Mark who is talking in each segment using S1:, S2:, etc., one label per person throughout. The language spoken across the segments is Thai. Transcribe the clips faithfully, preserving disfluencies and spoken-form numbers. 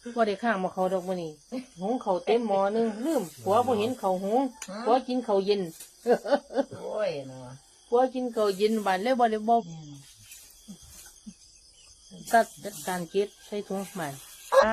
S1: ว่าได้ข้างมาเขาดอกมื้อนี้หุงเขาวเต็มหม้อนึงลืมผัวบ่เห็นเขาวหุงผัวกินเขาวเย็น
S2: โอ้ยเนาะ
S1: ผัวกินเขาวเย็นบานเลยบ่ได้บ่ตัดจัดการเก็บใส่ถุงใหม่อ่า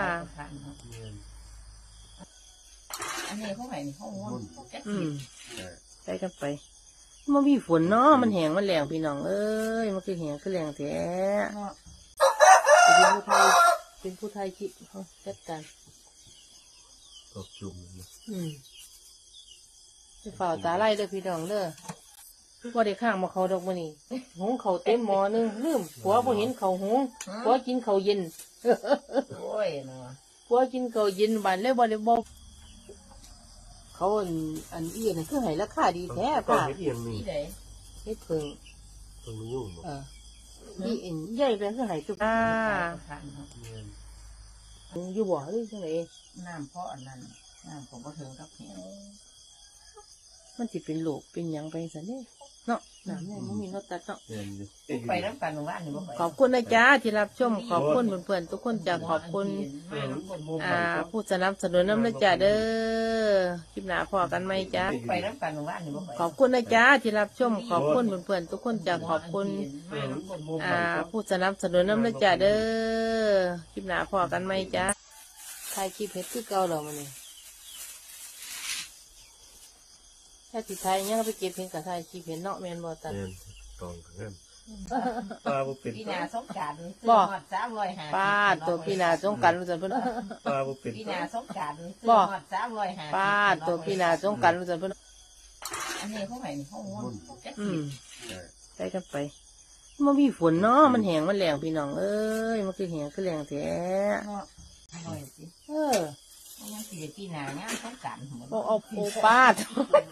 S2: อันนี้เขาให้เขางอนเขาแก๊ส
S1: อืมไปกันไปมันมีฝนเนาะมันแห้งมันแรงพี่น้องเอ้ยมันคือแห้งคือแรงแท้
S2: เนาะ
S1: เป็นผู้ไทยเป็นผู้ไทยคิดเขาจัดการ
S3: ตบจุ่มนะ
S1: อืมไปฝ่าตาไล่เด้อพี่น้องเด้อว่าได้ข้างมาเขาดอกมื้อนี้หุงเขาวเต็มหม้อนึงลืมผัวบ่เห็นเขาวหุงผัวกินเขาวเย็น
S2: โอ้ยเนาะ
S1: ผัวกินเขาวเย็นบานเลยบ่ได้บ่เขาอันอันอี้น่ะคือให้ราคาดีแท้
S3: ป้า
S1: ป่ะ
S3: เฮ็ดอีหยังนี่
S2: ที่ไหน
S1: เฮ็ดเพิ่ง
S3: ต้องยุ่งบ่
S1: เออนี่เอ็นใหญ่เป็นคือให้จุกอ่า
S2: ทานเนาะ
S1: อยู่บ่หรือจังได
S2: น้ำเพราะอันนั้นน้ำผมก็ถึงกับแห้ง
S1: มันสิเป็นโรคเป็นหยังไปซั่นเด้เนาะน้ำเนี่ยมันมีรสตัดเนาะ
S3: แม่นอยู่
S2: ไปน้ำกันหมู่บ้านนี่บ่ไป
S1: ขอบคุณนะจ๊ะที่รับชมขอบคุณเพื่อนๆทุกคนจากขอบคุณ อ่าผู้สนับสนุนน้ำนะจ๊ะเด้อคลิปหน้าพอกันไหมจ๊ะ
S2: ไปน้ำกันหมู่บ้านนี่บ่ไป
S1: ขอบคุณนะจ๊ะที่รับชมขอบคุณเพื่อนๆทุกคนจากขอบคุณ อ่าผู้สนับสนุนน้ำนะจ๊ะเด้อคลิปหน้าพอกันไหมจ๊ะถ่ายคลิปเฮ็ดคือเก่าเหรอมันนี่ถ้าสิถ่ายยังไปเก็บเห็นกับถ่ายคลิปเห็นเนาะแม่นบ่ตัน
S3: แม่นตองกัน ป้าบ่เป็น
S2: พี่นาสงกรานต์
S1: บ่
S2: สามร้อยห้าสิบ
S1: ป้าตัวพี่นาสงกรารรู้จักเพิ่น
S3: ป้าบ่เป็น
S2: พี่นาสงกรานต์
S1: บ่
S2: สามร้อยห้าสิบ
S1: ป้าตัวพี่นาสงกรารรู้จักเพิ่น
S2: อันนี้เขาให้เขางอนเขาแก๊ส
S1: อืมไปกันไปมันมีฝนเนาะมันแห้งมันแรงพี่น้องเอ้ยมันคือแห้งคือแรงแท้
S2: เนาะอร่อยสิ
S1: เออ
S2: เขายังสิได้พี่นาเนี่ยสงกรานต์หมด
S1: เอาเอาโอปาด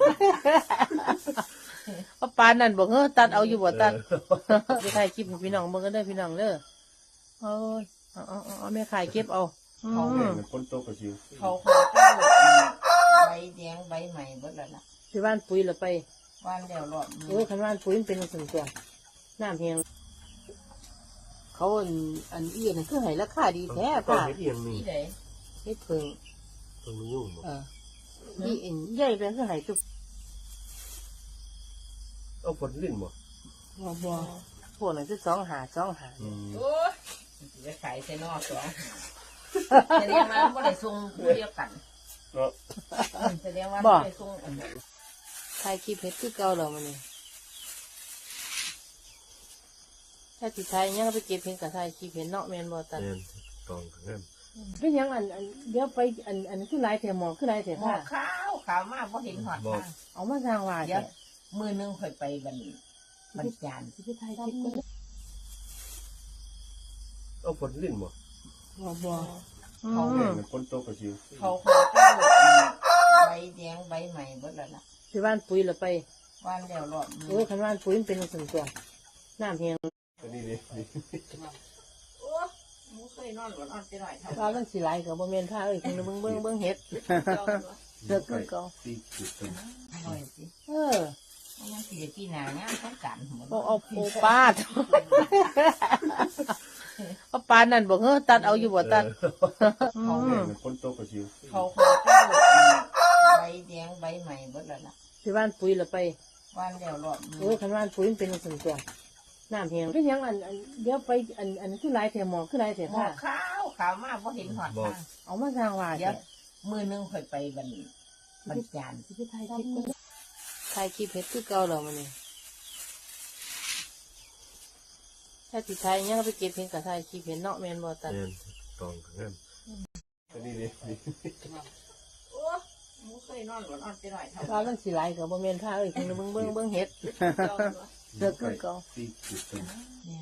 S1: เอาปานนั่นบอกเฮ้อตัดเอาอยู่บ่ตัดไปถ่ายคลิปให้พี่น้องเบิ่งกันเด้อพี่น้องเด้อเอ้ยเอาเอาเอาเอาแม่ขายเก็บเอาอื
S3: แม่
S1: ม
S3: นคนโตกว่าชิว
S2: เขาเขาก็ใบแดงใบใหม่เบิดแล้วล่ะ
S1: ไปบ้านปุ๋ยแล้วไป
S2: วันแล้วรอบ
S1: เออคันบ้านปุ๋ยมันเป็นส่วนตัวน้ำแห้งเขาอันอันอี้น่ะคือให้ราคาดีแท้
S3: ป้า
S1: ป่ะ
S3: เฮ็ดอีหยังนี่
S2: ที่ไหน
S1: เฮ็ดเพิ่ง
S3: ต้องยุ่งบ่
S1: เออนี่เอ็นใหญ่เป็นคือให้จุก
S3: เอาผลลิ้นบ่
S1: บ่บ่พวกนั้นคือสองหาสองหา
S3: อืม
S2: โอ้ยจะขายใส่นอกสองแสดงว่าไม่ได้ส่งผู้เดียวกัน
S3: เนาะ
S2: แสดงว่าไม่ได้ส่งอัน
S1: ถ่ายคลิปเฮ็ดคือเก่าแล้วมันนี่ถ้าสิถ่ายยังไปเก็บเห็นกับถ่ายคลิปเห็นเนาะแม่นบ่ตัน
S3: แม่นตองกัน
S1: เป็นหยังอันอันเดี๋ยวไปอันอันคือหลายแถมหมอคือหลายแถม
S2: หมอ
S1: ค่ะ
S2: ขาวขาวมากเพราะเห็นหอดทาง
S1: เอามาสร้างว่า
S2: เดี๋ยว
S1: แท้
S2: มือนึงค่อยไปบันบันจาน
S1: สิไปถ่ายคลิปก็
S3: เอาผลลิ้นบ่
S1: บ่บ่อื
S3: แม่
S1: ม
S3: นคนโตกว่าชิว
S2: เขาเขาก็ใบแดงใบใหม่เบิดแล้วล่ะ
S1: ไปบ้านปุ๋ยแล้วไป
S2: วันแล้วรอบ
S1: เออคันบ้านปุ๋ยมันเป็นส่วนตัวน้ำแห้ง
S3: อันนี้นี่นี่
S2: โอ้มูเคยนอนก่อนนอนจะหน่อยเท่า
S1: ว่ามันสิหลายก็บ่แม่นพาเอ้ยเพิ่นเบิ่งเบิ่งเบิ่งเฮ็ดเลิกคือเก่า
S3: ตีจุดกัน
S2: อร่อยสิ
S1: เออ
S2: เขายังสิได้พี่นาเนี่ยสงกรานต์หมด
S1: เอาเอาโอปาด เอาปานนั่นบอกเฮ้อตัดเอาอยู่บ่ตัดอื
S3: แม่
S1: ม
S3: นคนโตกว่าชิว
S2: เขาเขาก็ใบแดงใบใหม่เบิดแล้วล่ะ
S1: ไปบ้านปุ๋ยแล้วไป
S2: วันแล้วรอบ
S1: เออคันบ้านปุ๋ยมันเป็นส่วนตัวน้ำแห้งเป็นหยังอันอันเดี๋ยวไปอันอันคือหลายแถมหมอคือหลายแถม
S2: หมอ
S1: ค่ะ
S2: ขาวขาวมากเพราะเห็นหอดทาง
S1: เอามาสร้างว่า
S2: เดี๋ยว
S1: แท้
S2: มือนึงค่อยไปบันบันจาน
S1: สิไปถ่ายคลิปก็ถ่ายคลิปเฮ็ดคือเก่าแล้วมันนี่ถ้าสิถ่ายยังไปเก็บเห็นกับถ่ายคลิปเห็นเนาะแม่นบ่ตัน
S3: แม่นตองกันอันนี้นี่นี่
S2: โอ้มูเคยนอนก่อนนอนจะหน่อยเท่า
S1: ว่ามันสิหลายก็บ่แม่นพาเอ้ยเพิ่นเบิ่งเบิ่งเบิ่งเฮ็ดเลิกคือเก่า
S3: ตีจุดกัน
S2: เนี่ย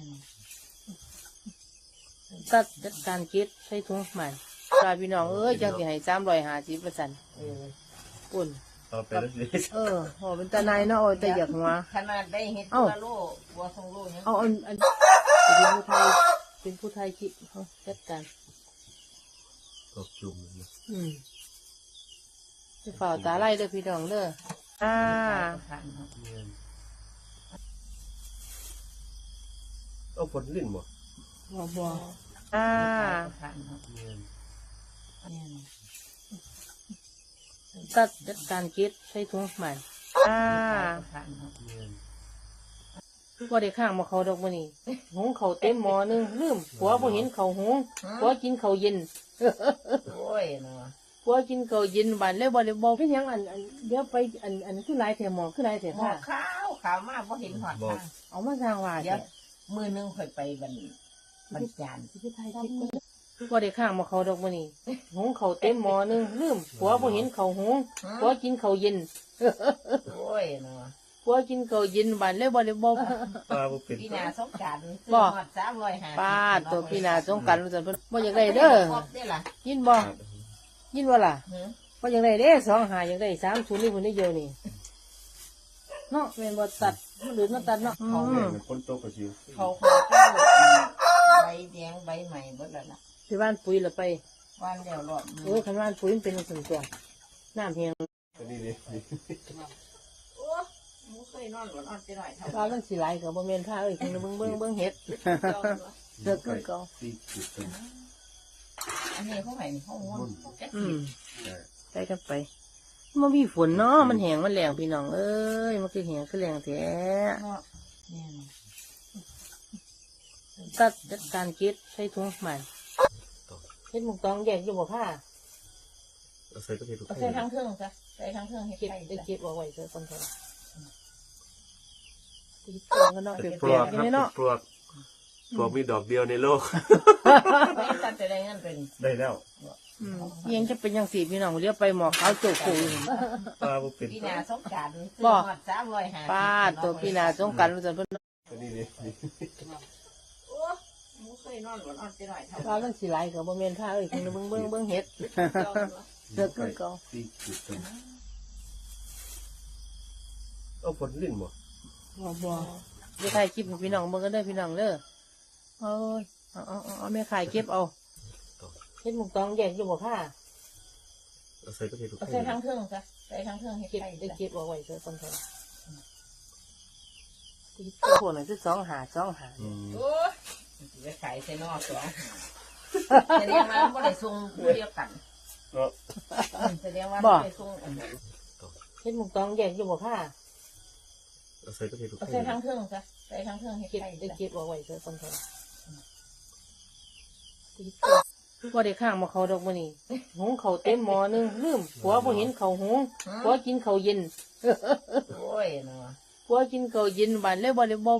S1: ตัดจัดการเก็บใส่ถุงใหม่ปลาพี่น้องเอ้ยจังสิให้สามร้อยห้าสิบเปอร์เซ็นต์เออปุ่น
S3: เอาไปแล้วสิ
S1: เออโหเป็นตาในายเนาะโอ้ยแต่อยากหัว
S2: ขนาดได้เห็ด
S1: เอ้า
S2: ตัวโลบัวทรงโลยัง
S1: เอาอันอันเป็นผู้ไทยเป็นผู้ไทยคิดเขาจัดการ
S3: ตบจุ่มนะ
S1: อืมไปฝ่าตาไล่เด้อพี่น้องเด้ออ่า
S2: ทานเนาะ
S3: แม่นเอาผลลิ้นบ่
S1: บ่บ่อ่า
S2: ทานเนาะ
S3: แม่น
S2: เนี่ย
S1: ตัดจัดการเก็บใส่ถุงใหม่อ่า
S2: ทานเนาะ
S1: ว่าได้ข้างมาเขาดอกมื้อนี้หุงเขาวเต็มหม้อหนึงลืมผัวบ่เห็นเขาวหุงผัวกินเขาวเย็น
S2: โอ้ยเนาะ
S1: ผัวกินเขาวเย็นบานเลยบ่ได้บอกเป็นหยังอันอันเดี๋ยวไปอันอันคือหลายแถวหมอคือหลายแถว
S2: หมอ
S1: ค่ะ
S2: ขาวขาวมากเพราะเห็นหอดทาง
S1: เอามาสร้างว่า
S2: เดี๋ย
S1: แท้
S2: วมือหนึงค่อยไปบรรบรรจาน
S1: ว่าได้ข้างมาเขาดอกมื้อนี้หุงเขาวเต็มหม้อหนึงลืมผัวบ่เห็นเขาวหุงผัวกินเขาวเย็น
S2: โอ้ยเนาะ
S1: ผัวกินเขาวเย็นบานเลยบ่ได้บอก
S3: ปลาบ่เป็น
S2: พี่นาสงกรารซื้อ
S1: บ่
S2: หอดสามร้อยห้าสิบ
S1: ป้าดตัวพี่นาสงกรานต์รู้จักเพิ่นบ่อยากได้เด้อ
S2: ครบได้ล่ะ
S1: ยินบ่ยินว่าล่ะ
S2: หือ
S1: บ่อยากได้เด้สองหาอยากได้สามศูนย์นี่เพิ่นได้เดียวนี่เนาะแม่นบ่ตัดมันหรือมันตัดเนาะอื
S3: แม่
S1: ม
S3: มันคนโตกว่าชิว
S2: เขาขอเจ้าใบแดงใบใหม่เบิดแล้วล่ะ
S1: ที่บ้านปุ๋ยละไป
S2: วันแล้วรอด
S1: โอ้ยคันบ้านปุ๋ยมันเป็นจังซั่นตัวน้ำแห้ง
S3: อันนี้นี่นี่
S2: โอ้หมูเคยนอนหลอนนอนไปหน่อยเท่า
S1: ว่ามันสิหลายก็บ่แม่นพาเอ้ยเพิ่นเบิ่งเบิ่งเบิ่งเฮ็ดเลิกคือเก่า
S3: ตีจุดเป็น
S2: อันนี้เขาให้นี่เขาง่วงเขาแก๊ส
S1: อืม
S3: แต่
S1: ไปกันไปมันมีฝนเนาะมันแห้งมันแรงพี่น้องเอ้ยมันคือแห้งคือแรงแท้
S2: เนาะเนี่ยนะ
S1: ตัดจัดการเก็บใส่ถุงใหม่เฮ็ดหมุกตองแยกอยู่บ่ค่ะ
S3: เราใส่ก็เห็ดทุก
S2: เอา
S3: ค
S2: ใส่
S3: น
S2: ทั้งเครื่องซะใส่ทั้งเครื่องให้
S1: เก็บ
S2: ใส่
S1: ได้
S2: ซะ
S1: เก็บเอาไว้เถอะคนเถอะตีเตือนกันเนาะเป
S3: เป็นปล
S1: ลี่ย
S3: วน ก
S1: ๆ
S3: ค
S1: กั
S3: รั
S1: น
S3: บ
S1: เนาะ
S3: ปลวกปลวกมีดอกเดียวในโลก
S2: ไม่ตัดจะได้เงินเป็น
S3: ได้แล้ว
S1: อืมยังจะเป็นยังสี่พี่น้องเรียกไปหมอขาวโจกปูอยู่
S3: ปลาบ่เป็น
S2: พี่นาสงกรารซื้อ
S1: บ่
S2: หอดสามร้อยห้าสิบ
S1: ป้าดตัวพี่นาสงกรานต์รู้จักเพิ่น
S3: อันนี้นี่นี่
S2: โอ้หมูเคยนอนหลอนนอนไปหน่อยเท่า
S1: ว่ามันสิหลายก็บ่แม่นพาเอ้ยเพิ่นเบิ่งเบิ่งเบิ่งเฮ็ดเลิกคือเก่า
S3: ตีจุดเป็นเอาผลลิ้นบ่
S1: บ่บ่จะถ่ายคลิปให้พี่น้องเบิ่งกันเด้อพี่น้องเด้อเอ้ยเอาเอาเอาเอาแม่ขายเก็บเอาเฮ็ดหมุกตองแยกอยู่บ่ค่ะ
S3: เราใส่ก็เห็ดทุกค
S2: เอา
S3: น
S2: ใส่ทั้งเครื่องซะใส่ทั้งเครื่องให้
S1: เก็บ
S2: ใส่
S1: ได้
S2: ซะ
S1: เก็บเอาไว้เถอะคนเถอะตีเตือนพวกนั้นคือสองหาสองหา
S3: อืม
S2: โอ้ยจะขายใส่นอกสองแสดงว่าไม่ได้ส่งผู้เดียวกัน
S3: เนาะ
S2: แสดงว่าไม่ได้ส่งอัน
S1: เฮ็ดหมุกตองแยกอยู่บ่ค่ะ
S3: เราใส่ก็เห็ดทุกค
S2: เอา
S3: น
S2: ใส่ทั้งเครื่องซะใส่ทั้งเครื่องให้
S1: เก็บ
S2: ใส่
S1: ได้
S2: ซะ
S1: เก็บเอาไว้เถอะคนเถอะตีเตือนว่าได้ข้างมาเขาดอกมื้อนี้หุงเขาวเต็มหม้อหนึงลืมผัวบ่เห็นเขาวหุงผัวกินเขาวเย็น
S2: โอ้ยเนาะ
S1: ผัวกินเขาวเย็นบานเลยบ่ได้บอก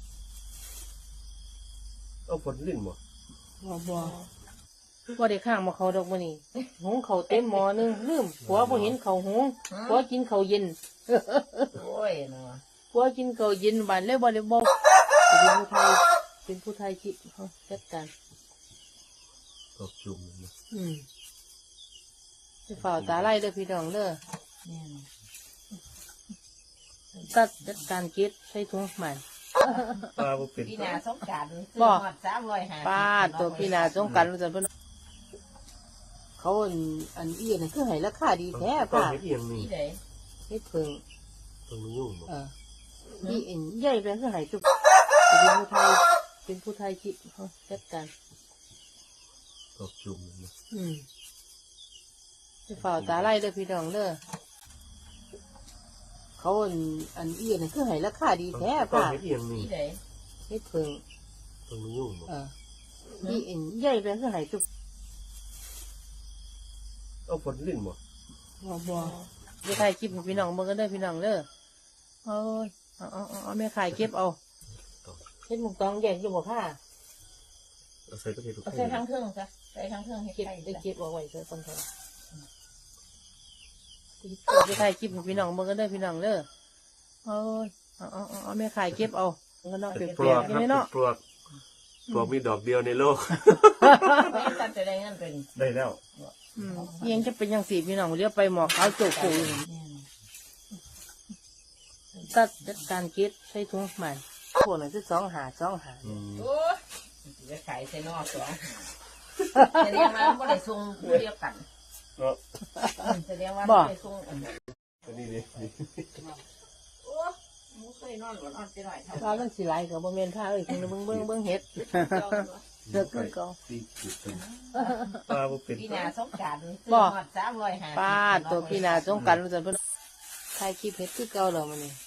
S3: เอาผลลิ้นบ่
S1: บ่บ่ว่าได้ข้างมาเขาดอกมื้อนี้หุงเขาวเต็มหม้อหนึงลืมผัวบ่เห็นเขาวหุงผัวกินเขาวเย็น
S2: โอ้ยเนาะ
S1: ผัวกินเขาวเย็นบานเลยบ่ได้บอกเป็นผู้ไทยเป็นผู้ไทยคิดเฮาจัดการ
S3: ดอกจุ่มนะ
S1: อืมไปเฝ้าตาไล่เด้อพี่น้องเด้อ
S2: เนี่ยนะ
S1: ตัดจัดการเก็บใส่ถุงใหม่
S3: ปลาบ่เป็น
S2: พี่นาสงกรารซื้อ
S1: บ่
S2: หอดสามร้อยห้าสิบ
S1: ป้าดตัวพี่นาสงกรานต์รู้จักเพิ่นเขาอันอันอีนั่นคือให้ราคาดีแท้
S3: ต้อง
S1: ป่ะ
S3: เห็ดเอียงนี่
S2: นี่เด้
S1: เฮ็ดเพิ่ง
S3: ต้องมียุ่งบ่
S1: เอออีเอ็นใหญ่เป็นคือให้ทุกเป็นผู้ไทยเป็นผู้ไทยคิดเฮาจัดการ
S3: ดอกจุ่มนะ
S1: อืมไปเฝ้าตาไล่เด้อพี่น้องเด้อเขาอันอันอีนั่นคือให้ราคาดีแท้
S3: ต้อง
S1: ป่ะ
S3: เห็ดเอียงนี่
S2: นี่เด้
S1: เฮ็ดเพิ่ง
S3: ต้องมียุ่งบ่
S1: เอออีเอ็นใหญ่เป็นคือให้ทุก
S3: เอาผลลิ้นบ่
S1: บ่บ่จะถ่ายคลิปให้พี่น้องเบิ่งกันเด้อพี่น้องเด้อเอ้ยเอาเอาเอาเอาแม่ขายเก็บเอาเฮ็ดหมุกตองแยกอยู่บ่ค่ะ
S3: เราใส่ก็เห็ดทุกค
S2: เอา
S3: น
S2: ใส่ทั้งเครื่องซะใส่ทั้งเครื่องให้
S1: เก็บ
S2: ใส่
S1: ได้
S2: ซะ
S1: เก็บเอาไว้เถอะคนเถอะจะถ่ายคลิปให้พี่น้องเบิ่งกันเด้อพี่น้องเด้อเอ้ยเอาเอาเอาเอาแม่ขายเก็บเอาก็เนาะ
S3: เป็
S1: เป็น น
S3: ปลวก
S1: ๆ
S3: ค
S1: กัน
S3: รับ
S1: ไหม
S3: เป็น
S1: เนาะ
S3: ปลวกปลวกมีดอกเดียวในโลก
S2: ไม่ตัดจะได้เงินเป็น
S3: ได้แล้ว
S1: อืมยังจะเป็นยังสี่พี่น้องเรียกไปหมอขาวโจกปูอยู่
S2: เนี่ยนะ
S1: ตัดจัดการเก็บใส่ถุงใหม่พวกนั้นคือสองหาสองหา
S3: อืม
S2: โอ้ยจะขายใส่นอกสองแสดงว่าไม่ได้ส่งผู้เดียวกัน
S3: เนาะ
S2: แสดงว่าไม่ได้ส่งอัน
S3: อันนี้นี่นี่
S2: โอ้หมูเคยนอนหลอนนอนไปหน่อยเท่า
S1: ว่ามันสิหลายก็บ่แม่นพาเอ้ยเพิ่นเบิ่งเบิ่งเบิ่งเฮ็ด
S2: เจ้าเนาะ
S1: เลิกคือเก่า
S3: ปลาบ่เป็น
S2: พี่นาสงกราร
S1: บ่
S2: สามร้อยห้าสิบ
S1: ป้าดตัวพี่นาสงกรารรู้จักเพิ่นถ่ายคลิปเฮ็ดคือเก่าแล้วมื้อนี้